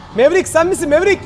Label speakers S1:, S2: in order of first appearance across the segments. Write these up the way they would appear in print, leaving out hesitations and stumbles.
S1: Mevrik sen misin Mevrik?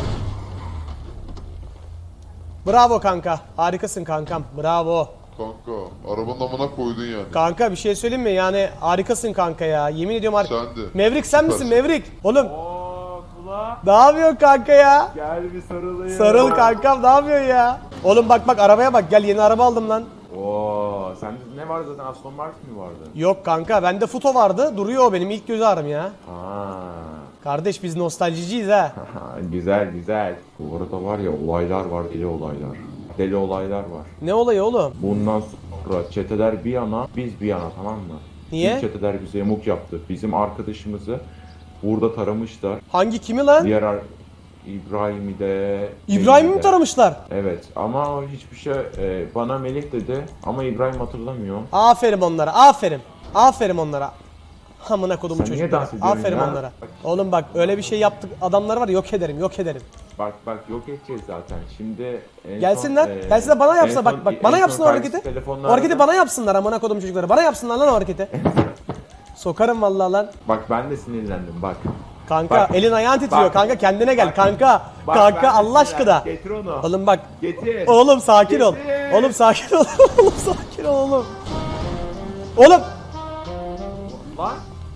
S1: Bravo kanka. Harikasın kankam. Bravo.
S2: Kanka arabanın amına koydun yani.
S1: Kanka bir şey söyleyeyim mi? Yani harikasın kanka ya. Yemin ediyorum
S2: Sen de.
S1: Mevrik sen misin
S2: Süpersin.
S1: Mevrik? Oğlum
S3: Ooo kula.
S1: ne yapıyorsun kanka ya?
S3: Gel bir sarılayım.
S1: Sarıl kankam ne yapıyorsun ya? Oğlum bak arabaya bak gel yeni araba aldım lan.
S3: Oo sende ne vardı zaten Aston Martin mi vardı?
S1: Yok kanka bende Futo vardı duruyor o benim ilk göz ağrım ya.
S3: Aa.
S1: Kardeş biz nostaljiciyiz ha.
S3: Güzel güzel. Bu arada var ya olaylar var, deli olaylar. Deli olaylar var.
S1: Ne olayı oğlum?
S3: Bundan sonra çeteler bir yana, biz bir yana, tamam mı?
S1: Niye?
S3: İlk çeteler bize yamuk yaptı. Bizim arkadaşımızı burada taramışlar.
S1: Hangi kimi lan?
S3: İbrahim'i de...
S1: İbrahim'i mi
S3: de.
S1: taramışlar?
S3: Evet ama hiçbir şey bana Melih dedi ama İbrahim hatırlamıyor.
S1: Aferin onlara aferin. Aferin onlara. Amına kodumun
S3: Sen niye
S1: çocuklara.
S3: dans ediyorsun
S1: Aferin
S3: ya?
S1: onlara. Oğlum bak öyle bir şey yaptık adamlar var yok ederim yok ederim.
S3: Bak yok edeceğiz zaten. Şimdi en
S1: Gelsinler.
S3: son,
S1: Gelsinler bana
S3: en
S1: yapsınlar.
S3: son-
S1: Bak bana
S3: en son
S1: yapsınlar o hareketi.
S3: kardeşi
S1: O hareketi
S3: telefonlarda-
S1: bana yapsınlar amına kodumun çocukları. Bana yapsınlar lan o hareketi. Sokarım vallahi lan.
S3: Bak ben de sinirlendim bak.
S1: Kanka
S3: Bak.
S1: elin ayağın titriyor.
S3: Bak.
S1: Kanka kendine gel
S3: Bak.
S1: kanka.
S3: Bak,
S1: Kanka
S3: ben de
S1: Allah
S3: sinirlendim.
S1: aşkına.
S3: Getir onu.
S1: Oğlum bak.
S3: Getir.
S1: Oğlum sakin ol.
S3: Getir.
S1: Oğlum sakin ol. Oğlum sakin ol oğlum. Oğlum.
S3: Lan.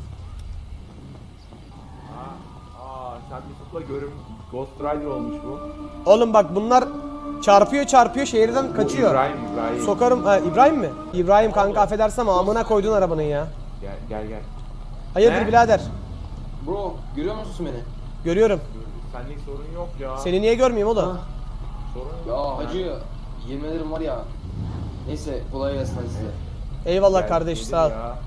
S3: Sen Mesut'la Ghost Rider olmuş bu.
S1: Oğlum bak bunlar çarpıyor şehirden kaçıyor.
S3: İbrahim.
S1: Sokarım. Ha, İbrahim mi? İbrahim kanka affedersin ama amına koydun arabanın ya.
S3: Gel.
S1: Hayırdır
S3: Ne?
S1: birader?
S4: Bro, görüyor musun beni?
S1: Görüyorum.
S3: Senlik sorun yok ya.
S1: Seni niye görmeyeyim oğlum?
S3: Sorun yok.
S4: Ya hacı, yemin ederim var ya. Neyse, kolay gelsin hadi size.
S1: Eyvallah
S3: Gel,
S1: kardeş
S3: gelir
S1: sağ ol.
S3: ya.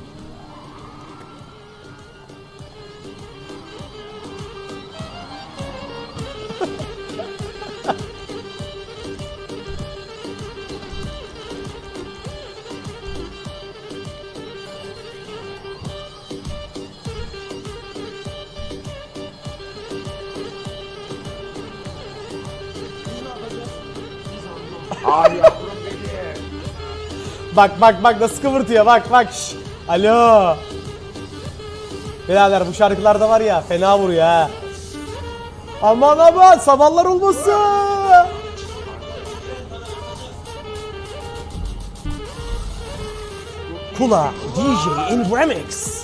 S3: Ay yavrum benim.
S1: Bak nasıl kıvırtıyor bak. Şş. Alo. Birader bu şarkılarda var ya fena vuruyor ha. Aman sabahlar olmasın. Kula DJ in Remix.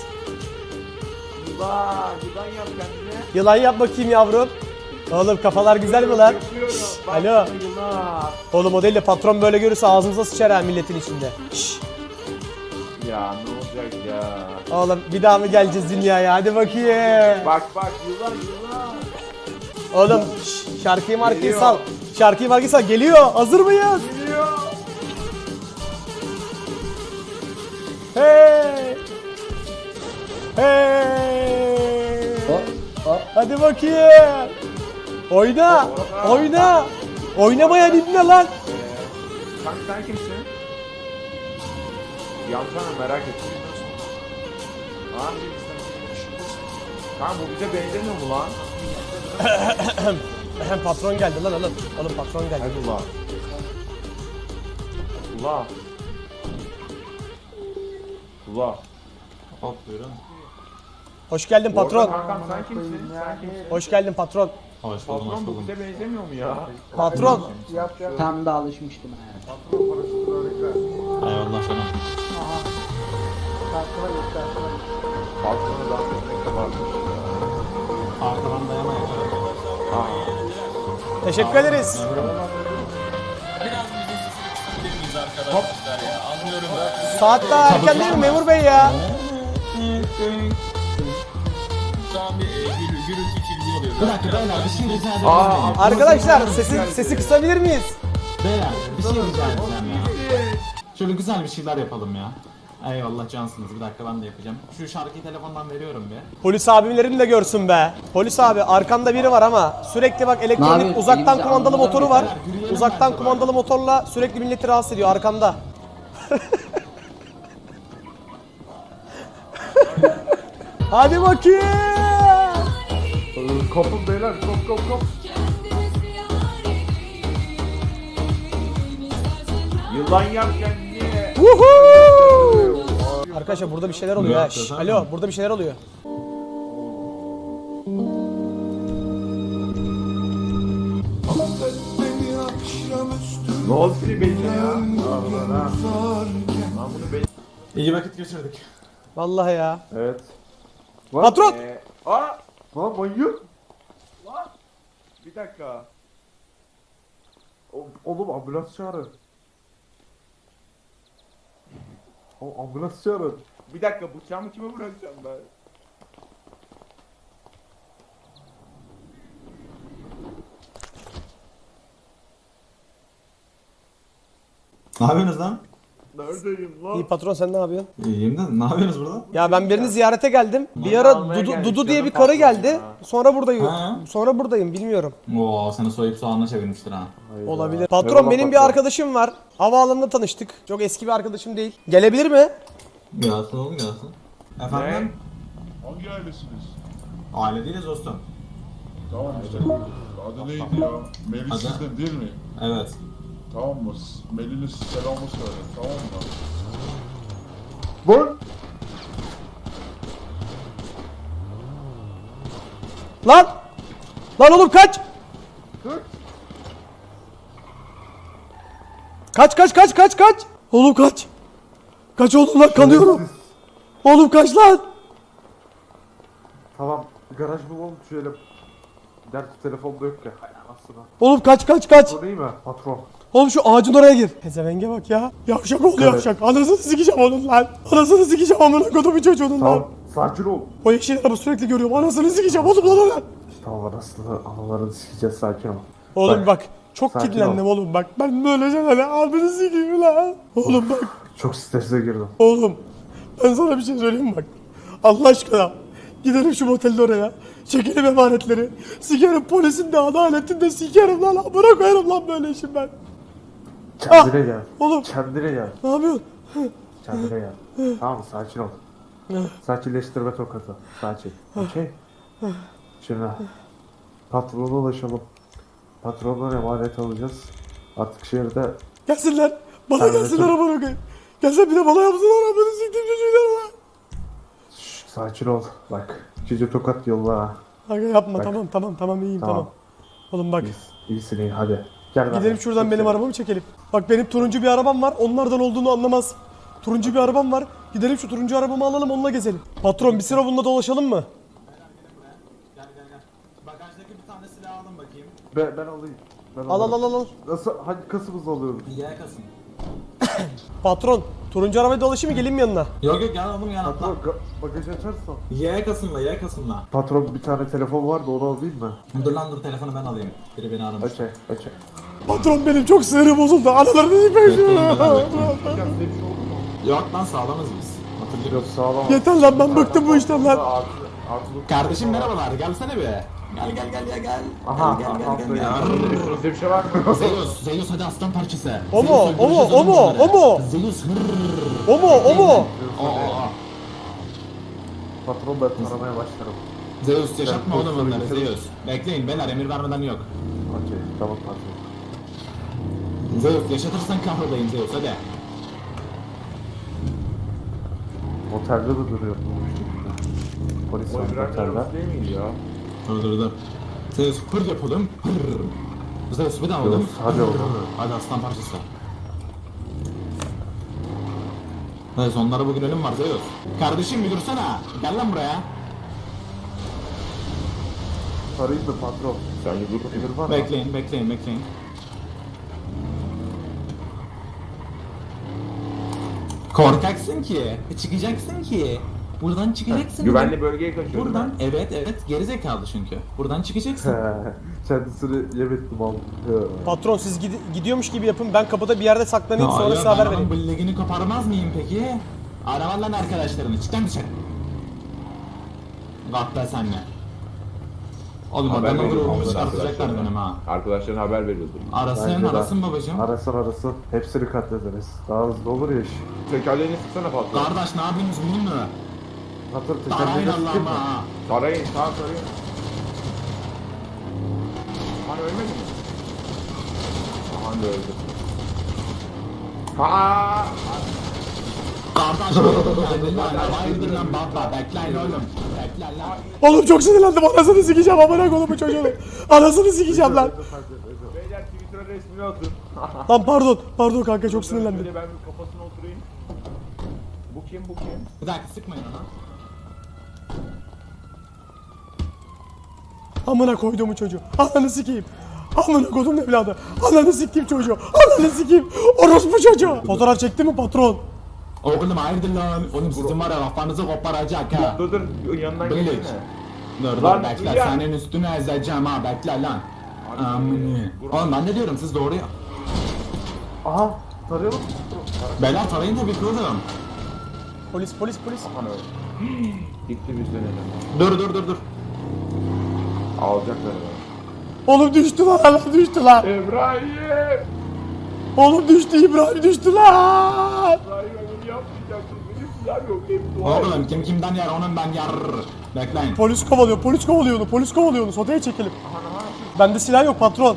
S3: Yılan yap kendine.
S1: Yılan yap bakayım yavrum. Oğlum kafalar güzel mi lan? Şş, alo.
S3: Yılan.
S1: Oğlum o değil de patron böyle görürse ağzımıza sıçar ha milletin içinde. Şş.
S3: Ya ne olacak ya?
S1: Oğlum bir daha mı geleceğiz dünyaya? Hadi bakayım.
S3: Bak yılan.
S1: Oğlum şarkıyı markayı
S3: Geliyor.
S1: sal. Şarkıyı markayı sal. Geliyor. Hazır mıyız?
S3: Geliyor.
S1: Hey. Hey. Hadi bakayım. Oyna. Oyna. Oynamayan ibne lan.
S3: Sen kimsin? Yansana merak ettim. Ha? Kanka bu bize benzemiyor mu lan?
S1: Hem patron geldi lan oğlum. Oğlum patron geldi.
S3: Hadi ula. Ula.
S5: Hop buyurun.
S1: Hoş geldin
S3: Orada
S1: patron.
S3: kankam sen kimsin? Sen kimsin?
S1: Hoş geldin patron.
S5: Hoş buldum, hoş
S3: Patron bu
S5: buldum.
S3: bize benzemiyor mu ya?
S1: Patron.
S6: Tam da alışmıştım yani.
S5: Eyvallah canım.
S3: Patronu dans etmek de varmış.
S5: Arkadan dayamayın.
S1: Teşekkür ederiz.
S5: Biraz müziğin sesini kısabilir miyiz arkadaşlar ya? Anlıyorum da.
S1: Saat daha erken değil mi memur bey ya?
S5: Şu an bir gürültü kirliliği oluyor. Bir dakika beyler bir şey rica edebilir
S3: Aa,
S5: miyim?
S1: Arkadaşlar sesi kısabilir miyiz?
S5: Beyler bir şey rica edeceğim ya. Şöyle güzel bir şeyler yapalım ya. Eyvallah cansınız. Bir dakika ben de yapacağım. Şu şarkıyı telefondan veriyorum bir.
S1: Polis abilerin de görsün be. Polis abi arkanda biri var ama sürekli bak elektronik
S6: yapayım?
S1: uzaktan
S6: Elimizi
S1: kumandalı
S6: almadan
S1: motoru var.
S5: yürüyelim
S1: Uzaktan
S5: bence
S1: kumandalı motorla sürekli milleti rahatsız ediyor arkanda. Hadi bakayım.
S3: Kopun beyler kop. Yılan yap kendini.
S1: Woohoo! Arkadaşlar burada bir şeyler oluyor ha. Şş, alo burada bir şeyler oluyor.
S3: Ne oldu ki benzin ya? Lan bunu benzin.
S5: İyi vakit geçirdik.
S1: Vallahi ya.
S3: Evet.
S1: Patron!
S3: Aa! Lan manyak! Lan! Bir dakika. Oğlum ambulans çağırın. O ambulans çağırın. Bir dakika bıçağımı kime bırakacağım ben?
S5: Ne yapıyorsunuz lan?
S3: Neredeyim lan?
S1: İyi patron, sen ne yapıyorsun?
S5: İyiyim de ne yapıyorsunuz burada?
S1: Ya ben birini ziyarete geldim. Bir
S3: Onu
S1: ara
S3: almaya gelmiş
S1: Dudu diye bir
S3: canım
S1: karı
S3: patron
S1: geldi.
S3: ya.
S1: Sonra buradayım.
S5: Ha?
S1: Sonra buradayım, bilmiyorum.
S5: Oo seni soyup soğanla çevirmiştir ha.
S1: Olabilir. Patron,
S3: Merhaba
S1: benim bir
S3: patron.
S1: arkadaşım var. Havaalanında tanıştık. Çok eski bir arkadaşım değil. Gelebilir mi?
S5: Gelsin oğlum gelsin. Efendim?
S2: Hangi ailesiniz?
S5: Aile değiliz dostum.
S2: Tamam işte. Adı neydi ya? Melih
S5: Adı?
S2: sizden değil mi?
S5: Evet.
S2: Tamam mı? Melih'in selamı söyle. Tamam mı?
S3: Lan!
S1: Lan! Lan oğlum kaç! Kaç! Oğlum kaç! Kaç oğlum lan, kanıyorum. Oğlum kaç lan!
S3: Tamam, garaj bulalım şöyle. Gerçi telefonda yok ya. Hay anasını.
S1: Oğlum kaç!
S3: Bu değil mi patron?
S1: Oğlum şu ağacın oraya gir. Pezevenge bak ya. Yavşak oldu yavşak. Anasını sikeceğim onun lan. Anasını sikeceğim amına kodumun çocuğunun lan.
S3: Tamam, sakin ol.
S1: O yeşil araba sürekli görüyorum. Anasını sikeceğim oğlum lan.
S3: Tamam anasını, analarını sikeceğiz, sakin ol.
S1: Oğlum bak. Çok
S3: sakin
S1: kilitlendim
S3: ol.
S1: oğlum bak. Ben böyle şeylerle abini sikeyim lan. Oğlum bak.
S3: Çok strese girdim.
S1: Oğlum. Ben sana bir şey söyleyeyim mi bak. Allah aşkına. Gidelim şu motelde oraya. Çekelim emanetleri. Sikerim polisin de adaletin de sikerim lan. Amına koyarım lan böyle işim ben.
S3: Kendine gel.
S1: Oğlum.
S3: Kendine gel.
S1: Ne yapıyorsun?
S3: Kendine gel. Tamam, sakin ol. Sakinleştirme tokatı. Sakin. Okey. Şimdi patrona ulaşalım. Patrondan emanet alacağız. Artık şehirde
S1: Gelsinler. Bana
S3: Evet,
S1: gelsinler
S3: çok-
S1: amına koyayım. Gelsin bir de bana yapsınlar amına siktim çocuğuyla lan.
S3: sakin ol. Bak, ikinci tokat yolla ha.
S1: Aga yapma,
S3: Bak.
S1: tamam iyiyim tamam.
S3: Tamam.
S1: Oğlum bak,
S3: İyisin iyi, hadi. Gel
S1: gidelim
S3: benden.
S1: şuradan
S3: Çok
S1: benim
S3: sev-
S1: arabamı çekelim. Bak benim turuncu bir arabam var, onlardan olduğunu anlamaz. Turuncu bir arabam var, gidelim şu turuncu arabamı alalım, onunla gezelim. Patron, bir sıra bununla dolaşalım mı?
S5: Gel. Bagajdaki bir tane silah alın bakayım.
S3: Ben alayım. Ben
S1: Al
S3: alırım.
S1: al.
S3: Nasıl, hangi kasımızı alıyoruz?
S5: Yakasın.
S1: Patron, turuncu arabaya dolaşayım mı, geleyim mi yanına?
S5: Yok gel oğlum gel atla.
S3: Patron, bagajı açarsan.
S5: Yakasınla.
S3: Patron, bir tane telefon vardı, onu alayım mı?
S5: Dur lan dur telefonu ben alayım. Biri beni aramış.
S3: Okey.
S1: Patron, benim çok sinirim bozuldu, analarını
S5: Bekleyin,
S1: yıkayım.
S5: Yok lan sağlamız biz. Hatırlıyor
S3: Yok, sağlam.
S1: Yeter lan, ben bıktım bu işten lan.
S5: Kardeşim merhabalar gelsene be. Gel.
S3: Aha,
S5: Gel.
S3: Üstünüzde bir şey var mı?
S5: Zeus hadi aslan parçası.
S1: O mu?
S5: Zeus,
S1: O mu?
S5: öldüreceğiz
S1: O mu?
S5: onları.
S1: O mu?
S5: Zeus
S1: O mu?
S5: Aa.
S3: Patron, ben aramaya başlarım.
S5: Zeus yaşatma
S3: Ben
S5: oğlum
S3: pozisyonu
S5: onları
S3: bitiririm.
S5: Zeus. Bekleyin beyler emir vermeden yok.
S3: Okey, tamam patron.
S5: Zeus yaşatırsan kahrolayım Zeus hadi.
S3: Otelde de duruyor. Polis var otelde.
S2: Değil miydi ya?
S5: Dur. Zeus hır yapalım. Hır. Zeus bir daha oğlum.
S3: Zeus, hadi oğlum.
S5: Hadi aslan parçası. Zeus onlara bugün ölüm var Zeus. Kardeşim bir dursana. Gel lan buraya.
S3: Sarayım mı patron?
S2: Sen bir dur.
S3: Emir var mı?
S5: Bekleyin. Korkaksın ki. Çıkacaksın ki. Buradan çıkacaksın.
S3: Güvenli bölgeye kaçıyorum.
S5: Buradan evet geri zekalı çünkü. Buradan çıkacaksın.
S3: Kendisini yem ettim abi.
S1: Patron, siz gidiyormuş gibi yapın, ben kapıda bir yerde saklanayım, sonra size haber vereyim.
S5: Ben onun billegini koparmaz mıyım peki? Araban lan arkadaşlarını. Çık lan dışarı. Gatta senle. Oğlum
S7: Haber
S5: ben
S7: veriyorum
S5: olur
S7: onlara
S5: çıkartacaklar
S7: arkadaşlarına.
S5: benim ha.
S7: Arkadaşlarına haber veriyordur.
S5: Arasın babacım.
S3: Arasın. Hepsini katlederiz. Daha hızlı olur ya iş.
S7: Tekerleğini sıksana patron.
S5: Kardeş ne yapıyorsunuz bunun mu?
S3: Patron
S5: Darayın
S3: tekerleğine sıkayım
S5: Allah'ıma
S3: mı?
S5: ha.
S7: Sarayın, sarayın. Hani ölmedi mi? Aha da öldü. Ha!
S5: Kardeş geldin lan. Hayırdır lan baba. Bekleyin oğlum. Bekleyin lan.
S1: Oğlum çok sinirlendim, anasını sikeceğim amına kodumun çocuğunu. Anasını sikeceğim lan.
S7: Beyler Twitter'a resmini atın.
S1: Lan pardon kanka çok sinirlendim.
S3: Şöyle ben bir kafasına oturayım. Bu kim bu kim?
S5: Bir dakika sıkmayın ona.
S1: Amına koyduğumu çocuğu. Ananı sikeyim. Amına koydum evladı. Ananı sikeyim çocuğu. Ananı sikeyim. Orospu çocuğu. Fotoğraf çekti mi patron?
S5: Oğlum hayırdır lan? Oğlum sizin var ya kafanızı koparacak ha.
S3: Dur yanından
S5: Bilik.
S3: gelsene.
S5: Dur
S3: Lan,
S5: bekle
S3: ya.
S5: senin üstüne ezeceğim ha bekle lan. Amını. Oğlum ben ne diyorum siz doğru ya.
S3: Aha tarıyor mu?
S5: Beyler tarayın tabii ki oğlum.
S1: Polis.
S3: Aman öyle. Gitti biz dönelim.
S5: Dur.
S3: Alacaklar herhalde.
S1: Oğlum düştü lan.
S3: İbrahim!
S1: Oğlum düştü İbrahim düştü lan.
S3: İbrahim bunu yapmayacaksın. Benim silahım yok. Hep dua et.
S5: Oğlum kim kimden yer onun ben yer. Bekleyin.
S1: Polis kovalıyor onu. Sodaya çekelim. Bende silah yok patron.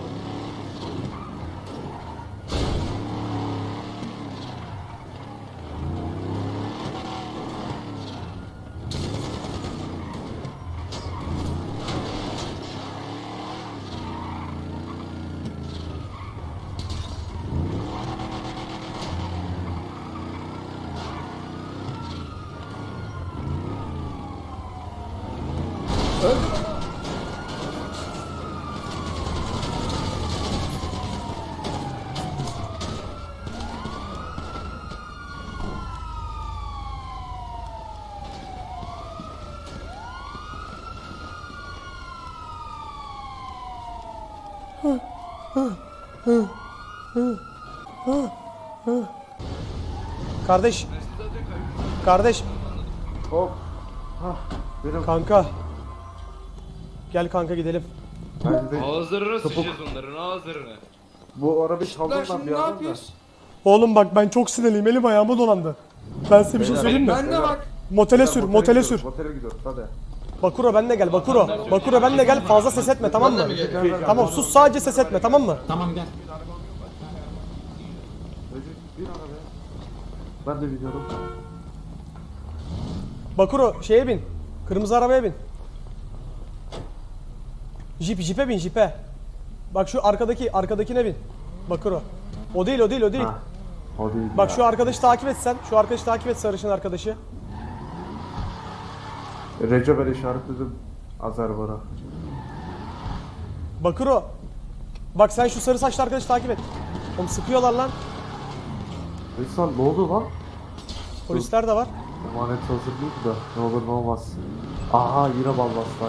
S1: Kardeş.
S3: Hop. Hah. Benim
S1: Kanka. Gel kanka gidelim.
S3: bence de
S8: Ağızlarına sıçacağız onların ağızlarına.
S3: bu arabayı çaldılar bir yandan da.
S1: Oğlum bak ben çok sinirliyim. Elim ayağıma dolandı. Ben size bir şey söyleyeyim mi?
S8: Ben de bak.
S1: Motele sür.
S3: Motele gidiyoruz hadi.
S1: Bakuro benle gel. Bakuro benle gel. Fazla ses etme tamam mı? Tamam sus sadece ses etme tamam mı?
S5: Tamam gel.
S3: Recep bir arabaya. Ben de biliyorum.
S1: Bakuro şeye bin. Kırmızı arabaya bin. Jipe bin jipe. Bak şu arkadakine bin. Bakuro. O değil.
S3: Ha, o değil
S1: Bak
S3: ya.
S1: şu arkadaşı takip et sen. Şu arkadaşı takip et sarışın arkadaşı.
S3: Recep ben işaretledim. Azerbaycan.
S1: Bakuro. Bak sen şu sarı saçlı arkadaşı takip et. Oğlum sıkıyorlar lan.
S3: Veysel ne oldu lan?
S1: Polisler de var.
S3: Emanet hazır değil de ne olur ne olmaz. Aha yine ballaslar.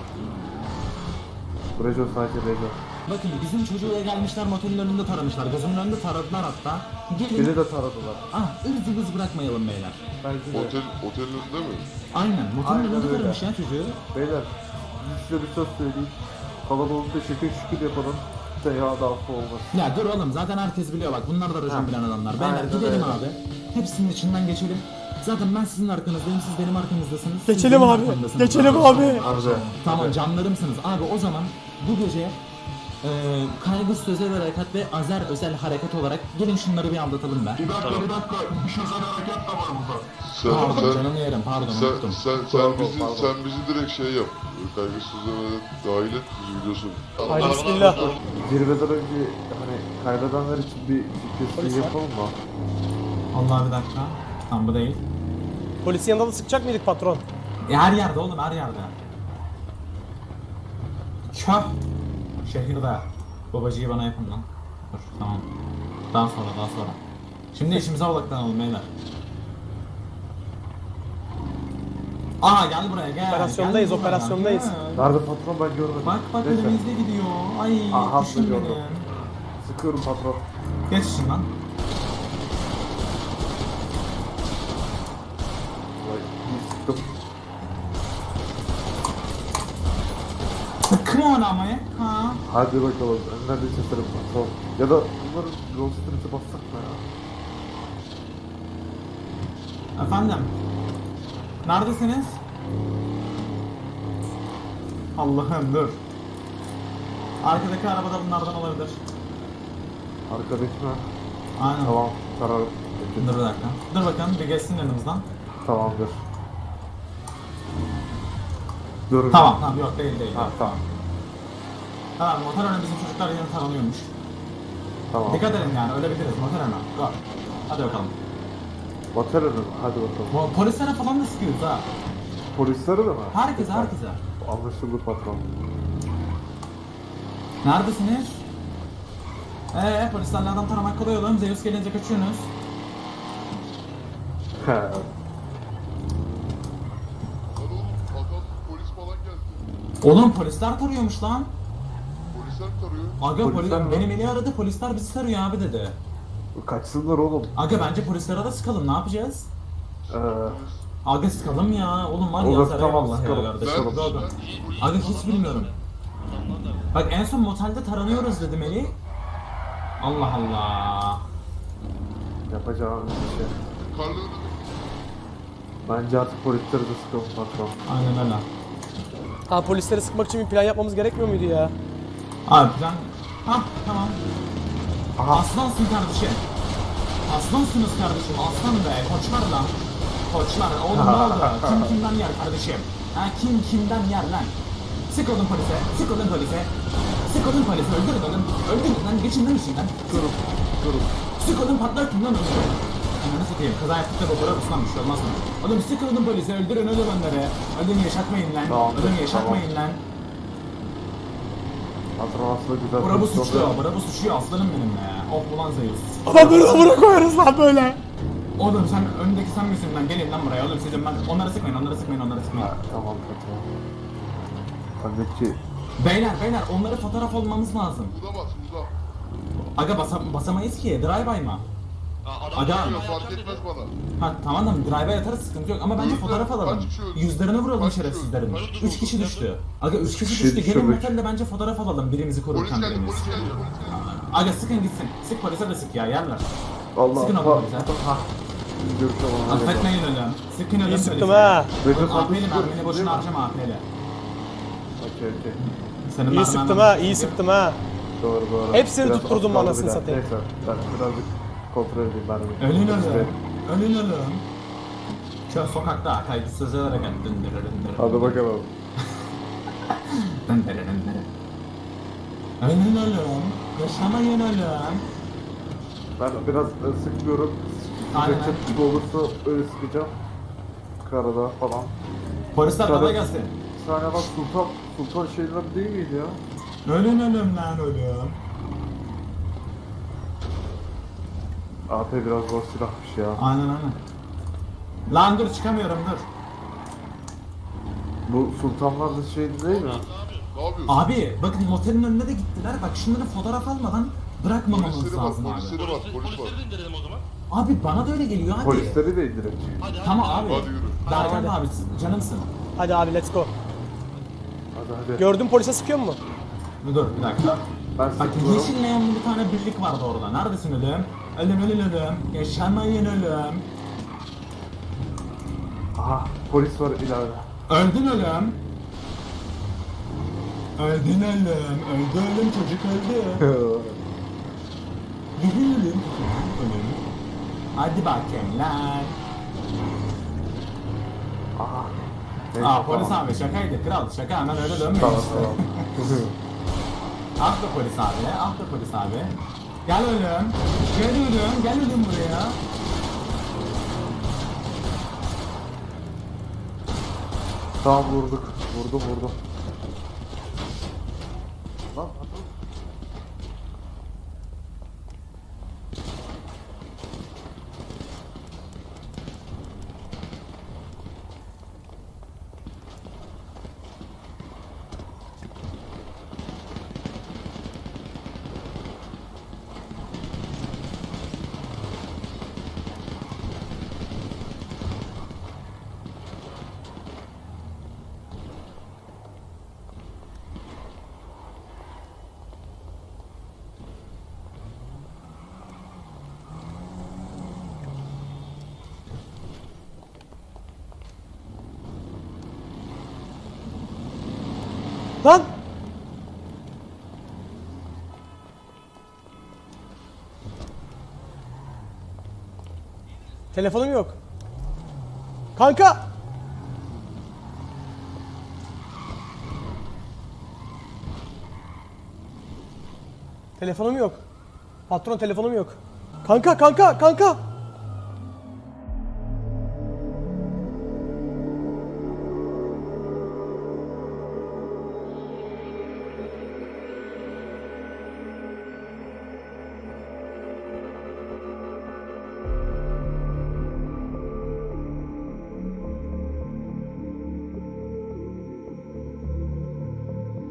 S3: Recep sadece Recep.
S5: Bakın bizim çocuğuyla gelmişler motelin önünde taramışlar. Gözümün önünde taradılar hatta. Gelin.
S3: Beni de taradılar.
S5: Ivız ıvız bırakmayalım beyler.
S3: Belki de.
S2: Otelin önünde mi?
S5: Aynen motelin
S3: Aynen
S5: önünde
S3: öyle.
S5: taramış ya çocuğu.
S3: Beyler size bir söz söyleyeyim. Kalabalıkta şükür yapalım. Ya da affı olmaz.
S5: Ya dur oğlum zaten herkes biliyor bak bunlar da racon bilen adamlar. Beyler
S3: Aynen
S5: gidelim
S3: öyle.
S5: abi. Hepsinin içinden geçelim. Zaten ben sizin arkanızdayım, siz benim arkanızdasınız. siz
S1: Geçelim
S5: benim
S1: abi.
S5: arkamdasınız.
S1: Geçelim abi.
S3: Harbi.
S5: Tamam canlarımsınız. Abi o zaman bu gece kaygısız özel harekat ve Azer özel harekat olarak gelin şunları bir anlatalım be.
S2: Bir dakika. İş özel hareket de var burada.
S5: Pardon canımı yerim pardon unuttum.
S2: Sen bizi direkt şey yap. Kaygısız ödemeden dahil et bizi biliyorsun.
S1: Haydi bismillah.
S3: Zirveden önce hani kaybedenler için bir fikir yapalım mı?
S5: Allah bir dakika. Tam bu değil.
S1: Polisin yanında da sıkacak mıydık patron?
S5: Her yerde oğlum her yerde. Köh. Şehirde. Babacıyı bana yapın lan. Dur tamam. Daha sonra. Şimdi işimize odaklanalım beyler. Aa gel buraya gel.
S1: Operasyondayız,
S5: Gel buraya,
S1: operasyondayız.
S5: gel.
S3: Nerede patron ben görmedim.
S5: Bak
S3: Neyse.
S5: önümüzde gidiyor. Ay
S3: Aha,
S5: düşün
S3: gördüm.
S5: beni.
S3: Sıkıyorum patron.
S5: Geç işin lan.
S3: Vay, iyi sıktım.
S5: Come on ama ya. Ha.
S3: Hadi bakalım. Önden de keserim patron. Ya da bunların yol street'i bassak mı ya?
S5: Efendim. Neredesiniz? Allah'ım dur. Arkadaki arabada bunlardan olabilir.
S3: Arkadaki mi?
S5: Aynen.
S3: Tamam. Kararım.
S5: Dur bir dakika. Dur bakalım bir geçsin yanımızdan.
S3: Tamamdır. Dur.
S5: Tamam yok değil.
S3: Ha, tamam.
S5: Tamam motor önü bizim çocuklar yeni tanınıyormuş.
S7: Tamam.
S5: Dikkat edin yani ölebiliriz motor hemen. Go. Hadi bakalım.
S7: Batarırım. Hadi bakalım.
S5: Polislere falan da sıkıyoruz ha.
S7: Polisleri de mi?
S5: Herkese herkese.
S7: Anlaşıldı patron.
S5: Neredesiniz? Polislerle adam taramak kolay oğlum. Zeus gelince kaçıyorsunuz.
S7: He.
S2: Lan oğlum adam polis falan geldi.
S5: Oğlum polisler tarıyormuş lan.
S2: Polisler mi tarıyor?
S5: Aga
S7: Polisler mi?
S5: benim eli aradı polisler bizi tarıyor abi dedi.
S7: Kaçsınlar oğlum.
S5: Aga bence polislere de sıkalım ne yapacağız?
S7: Ee,
S5: Aga sıkalım ya oğlum var ya
S7: Olur,
S5: saray
S7: tamam,
S5: Allah ya
S7: sıkalım.
S5: kardeşim.
S2: Ben-
S5: Aga. Aga hiç bilmiyorum. Bak en son motelde taranıyoruz dedim Eli. Allah Allah.
S7: yapacağım bir şey.
S2: Karlı önünde.
S7: Bence artık polisleri de sıkalım patron.
S5: Aynen öyle.
S1: Ha polisleri sıkmak için bir plan yapmamız gerekmiyor muydu ya?
S5: Abi plan... Hah tamam. Aslansın kardeşim. Aslansınız kardeşim. Aslan be. Koçlar lan. Koçlar. Oğlum ne oldu? Kim kimden yer kardeşim? Ha kim kimden yer lan? Sık olun polise. Sık olun polise. Sık olun polise. Öldürün onu. Öldürün lan. Geçin lan işinden.
S7: Durun.
S5: Sık olun patlatın lan onu. Ananı satayım. Kaza yaptık da babura ıslan bir şey olmaz mı? Oğlum sık olun polise. Öldürün öyle onları. Ölüm yaşatmayın lan.
S7: Tamam,
S5: Ölüm yaşatmayın lan.
S7: Patron aslında güzel
S5: Bravo
S7: pozisyon
S5: suçuyor.
S7: değil.
S5: Bravo suçuyor aslanım benim be. Of ulan Zeus.
S1: Adamları amına koyarız lan böyle.
S5: Oğlum sen öndeki sen misin lan? Gelin lan buraya oğlum sizin ben. Onları sıkmayın, onları sıkmayın, onları sıkmayın.
S7: Ha, tamam patron. Öndeki
S5: Beyler onları fotoğraf olmamız lazım.
S2: Buda bas buda.
S5: Aga basamayız ki. Drive-by mı? Aga.
S2: Yok fark etmez bana.
S5: Ha tamam da drive-by atarız sıkıntı yok ama bence
S2: Öldü.
S5: fotoğraf alalım.
S2: Kaç kişi öldü?
S5: Yüzlerine vuralım
S2: Kaç kişi
S5: şerefsizlerin.
S2: öldü?
S5: 3 kişi düştü. Aga 3 kişi
S7: Kişi
S5: düştü. Gelin
S7: düşürdük.
S5: motelde bence fotoğraf alalım birimizi
S2: Polis
S5: korurken
S2: geldi
S5: birimiz.
S2: polis geldi polis geldi.
S5: Aga sıkın gitsin. Sık polise de sık ya yerler.
S7: Allah
S5: Sıkın o polise.
S7: Ha. Biz görüşelim.
S5: Affetmeyin ölüm. Sıkın ölüm
S1: İyi sıktım
S5: polise.
S1: ha.
S7: Recep
S5: AP'li
S7: Tayyip
S5: mermini boşuna harcama AP'li.
S7: Okey.
S5: Senin
S1: İyi
S5: mermin-
S1: sıktım ha, iyi sıktım ha.
S7: Doğru.
S1: Hepsini
S7: Biraz
S1: tutturdum
S7: az kaldı
S1: anasını
S7: bir daha.
S1: satayım.
S7: Neyse ben birazcık kontrol edeyim ben.
S5: Ölün ölüm. Ölün ölüm. Şu sokakta kaygısız hareket döndürürüm.
S7: Hadi bakalım.
S5: Ölün ölüm. Yaşamayın ölüm.
S7: Ben biraz sıkmıyorum.
S5: Aynen.
S7: Sıkacak gibi olursa öyle sıkacağım. Karada falan.
S5: Polisler
S7: Tabii.
S5: kolay gelsin.
S7: Bir saniye bak Sultan şeyler değil miydi ya?
S5: Ölün ölüm lan ölüm.
S7: AP biraz zor silahmış ya.
S5: Aynen. Lan dur çıkamıyorum dur.
S7: Bu sultanlar da şey değil mi?
S2: Ne yapıyorsun?
S5: Abi bakın motelin önüne de gittiler. Bak şunları fotoğraf almadan bırakmamamız
S2: Polisleri var
S5: lazım abi.
S2: polisleri var polis var.
S5: Abi bana da öyle geliyor hadi.
S7: Polisleri de indirin.
S5: Tamam abi.
S2: Hadi yürü.
S5: Berkan abi canımsın.
S1: Hadi abi let's go.
S7: Hadi.
S1: Gördün polise sıkıyor mu?
S5: Dur bir dakika.
S7: Ben
S5: Bak
S7: sıkıyorum.
S5: yeşil neonlu bir tane birlik vardı orada. Neredesin ölüm? Ölüm. Yaşamayın ölüm.
S7: Aha polis var ileride.
S5: Öldün ölüm. Öldün ölüm. Öldü ölüm çocuk öldü. Ölüm. Ölüm. Hadi bakayım lan.
S7: Aha. Neyse,
S5: Aa polis
S7: tamam.
S5: abi şakaydı kral şaka hemen öyle dönmeyin
S7: Tamam
S5: işte.
S7: tamam.
S5: Ah be polis abi. Gel ölüm. Gel ölüm buraya.
S7: Tamam vurdum. Lan
S1: Lan! Telefonum yok. Kanka! Telefonum yok. Patron telefonum yok. Kanka kanka kanka.